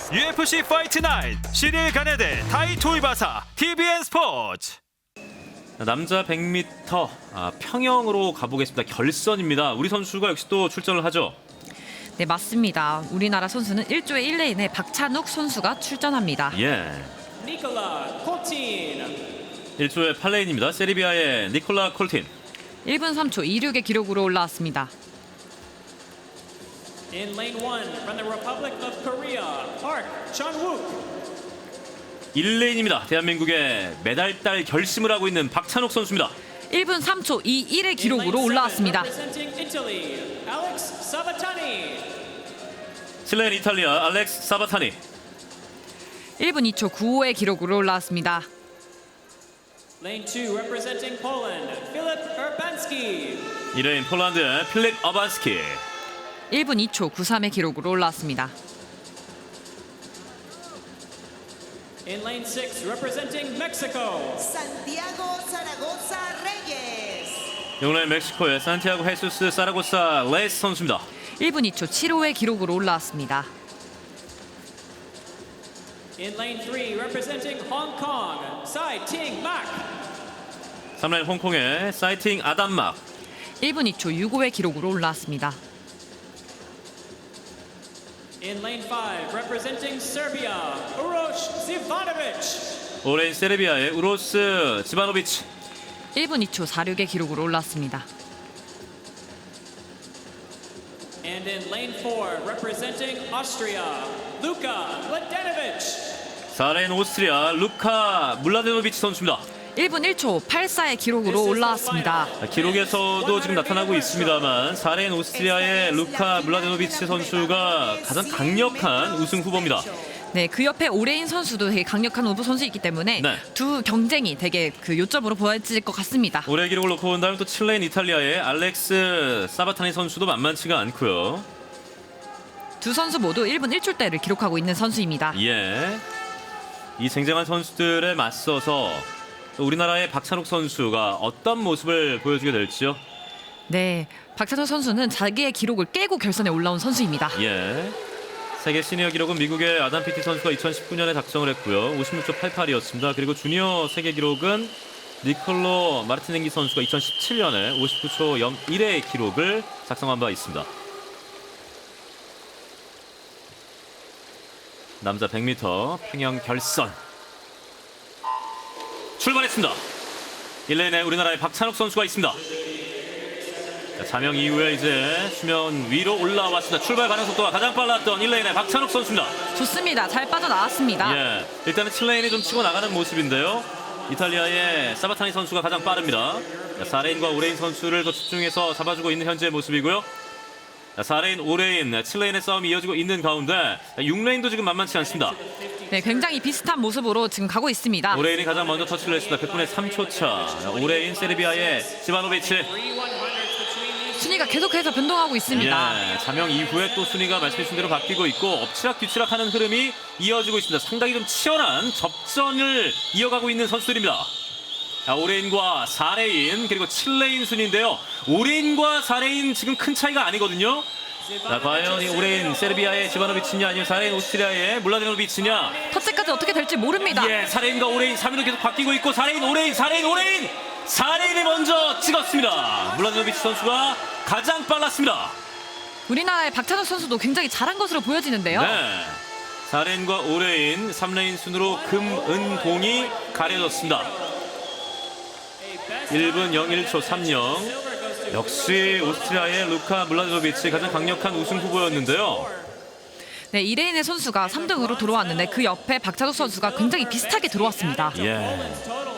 UFC 파이트 나잇 시릴 가네대 타이토이바사 TVN 스포츠. 남자 100m 평영으로 가보겠습니다. 결선입니다. 우리 선수가 역시 또 출전을 하죠. 네, 맞습니다. 우리나라 선수는 1조의 1레인에 박찬욱 선수가 출전합니다. 예. 니콜라 콜틴. 1조의 8레인입니다. 세르비아의 니콜라 콜틴. 1분 3초 26의 기록으로 올라왔습니다. In lane 1 from the Republic of Korea, Park Chan-wook. 1레인입니다. 대한민국의 메달달 결심을 하고 있는 박찬욱 선수입니다. 1분 3초 21의 기록으로 올라왔습니다. Representing Italy, Alex Sabatani. 7레인 이탈리아 알렉스 사바타니. 1분 2초 95의 기록으로 올라왔습니다. Lane 2 representing Poland, Filip Urbanski. 2레인 폴란드의 필립 어반스키. 1분 2초 93의 기록으로 올라왔습니다. In lane 6 representing Mexico, Santiago Zaragoza Reyes. 6레인 멕시코의 산티아고 헤수스 사라고사 레이스 선수입니다. 1분 2초 75의 기록으로 올라왔습니다. in lane 3 representing Hong Kong, Sai Ting Mak. 3레인 홍콩의 사이팅 아담막. 1분 2초 65의 기록으로 올라왔습니다. In lane 5 representing Serbia, Uroš Zivanovic. 5레인 세르비아의 우로스 지바노비치. 1분 2초 46의 기록으로 올라왔습니다. And in lane 4 representing Austria, Luka Mladenovic. 4레인 오스트리아 루카 물라데노비치 선수입니다. 1분 1초 84의 기록으로 올라왔습니다. 기록에서도 지금 나타나고 있습니다만 4레인 오스트리아의 루카 물라데노비치 선수가 가장 강력한 우승 후보입니다. 네, 그 옆에 오레인 선수도 되게 강력한 오브 선수이기 때문에 네. 두 경쟁이 되게 그 요점으로 보여질 것 같습니다. 올해 기록을 놓고 본다면 또 7레인 이탈리아의 알렉스 사바타니 선수도 만만치가 않고요. 두 선수 모두 1분 1초대를 기록하고 있는 선수입니다. 예. 이 쟁쟁한 선수들에 맞서서 또 우리나라의 박찬욱 선수가 어떤 모습을 보여주게 될지요. 네, 박찬호 선수는 자기의 기록을 깨고 결선에 올라온 선수입니다. 예. 세계 시니어 기록은 미국의 아담 피티 선수가 2019년에 작성을 했고요. 56초 88이었습니다. 그리고 주니어 세계 기록은 니콜로 마르티넨기 선수가 2017년에 59초 01의 기록을 작성한 바 있습니다. 남자 100m 평영 결선 출발했습니다. 1레인에 우리나라의 박찬욱 선수가 있습니다. 자, 자명 이후에 이제 수면 위로 올라왔습니다. 출발 가능 속도가 가장 빨랐던 1레인의 박찬욱 선수입니다. 좋습니다. 잘 빠져나왔습니다. 예, 일단은 7레인이 좀 치고 나가는 모습인데요. 이탈리아의 사바타니 선수가 가장 빠릅니다. 4레인과 5레인 선수를 더 집중해서 잡아주고 있는 현재의 모습이고요. 4레인, 5레인, 7레인의 싸움이 이어지고 있는 가운데 6레인도 지금 만만치 않습니다. 네, 굉장히 비슷한 모습으로 지금 가고 있습니다. 5레인이 가장 먼저 터치를 했습니다. 100분의 3초 차. 5레인 세르비아의 지바노비치. 순위가 계속해서 변동하고 있습니다. 예, 자명 이후에 또 순위가 말씀해주신 대로 바뀌고 있고 엎치락뒤치락하는 흐름이 이어지고 있습니다. 상당히 좀 치열한 접전을 이어가고 있는 선수들입니다. 5레인과 4레인 그리고 7레인 순위인데요. 5레인과 4레인 지금 큰 차이가 아니거든요. 자, 과연 이 5레인 세르비아의 지바노비치냐 아니면 4레인 오스트리아의 물라데노비치냐. 터치까지 어떻게 될지 모릅니다. 예, 4레인과 5레인 3위로 계속 바뀌고 있고 4레인 5레인 4레인 5레인 4레인이 먼저 찍었습니다. 물라데노비치 선수가 가장 빨랐습니다. 우리나라의 박찬욱 선수도 굉장히 잘한 것으로 보여지는데요. 네, 4레인과 5레인 3레인 순으로 금, 은, 동이 가려졌습니다. 1분 01초 30. 역시 오스트리아의 루카 물라데노비치 가장 강력한 우승 후보였는데요. 네, 2레인의 선수가 3등으로 들어왔는데 그 옆에 박찬욱 선수가 굉장히 비슷하게 들어왔습니다. 예. Total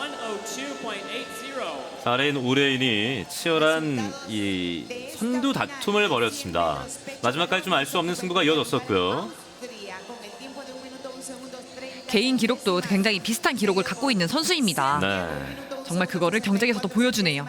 102.80. 4레인 5레인이 치열한 이 선두 다툼을 벌였습니다. 마지막까지 좀 알 수 없는 승부가 이어졌었고요. 개인 기록도 굉장히 비슷한 기록을 갖고 있는 선수입니다. 네. 정말 그거를 경쟁에서도 보여주네요.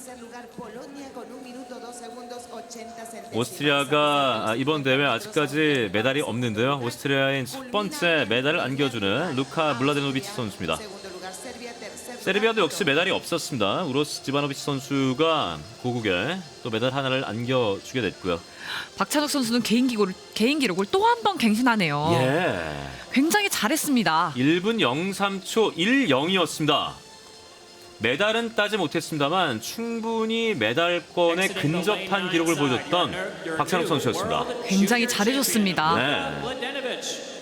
오스트리아가 이번 대회 아직까지 메달이 없는데요. 오스트리아인 첫 번째 메달을 안겨주는 루카 물라데노비치 선수입니다. 세르비아도 역시 메달이 없었습니다. 우로스 지바노비치 선수가 고국에 또 메달 하나를 안겨주게 됐고요. 박찬욱 선수는 개인 기록을 또 한 번 갱신하네요. 예. 굉장히 잘했습니다. 1분 03초 10이었습니다. 메달은 따지 못했습니다만 충분히 메달권에 근접한 기록을 보여줬던 박찬욱 선수였습니다. 굉장히 잘해줬습니다. 네. Mladenovic.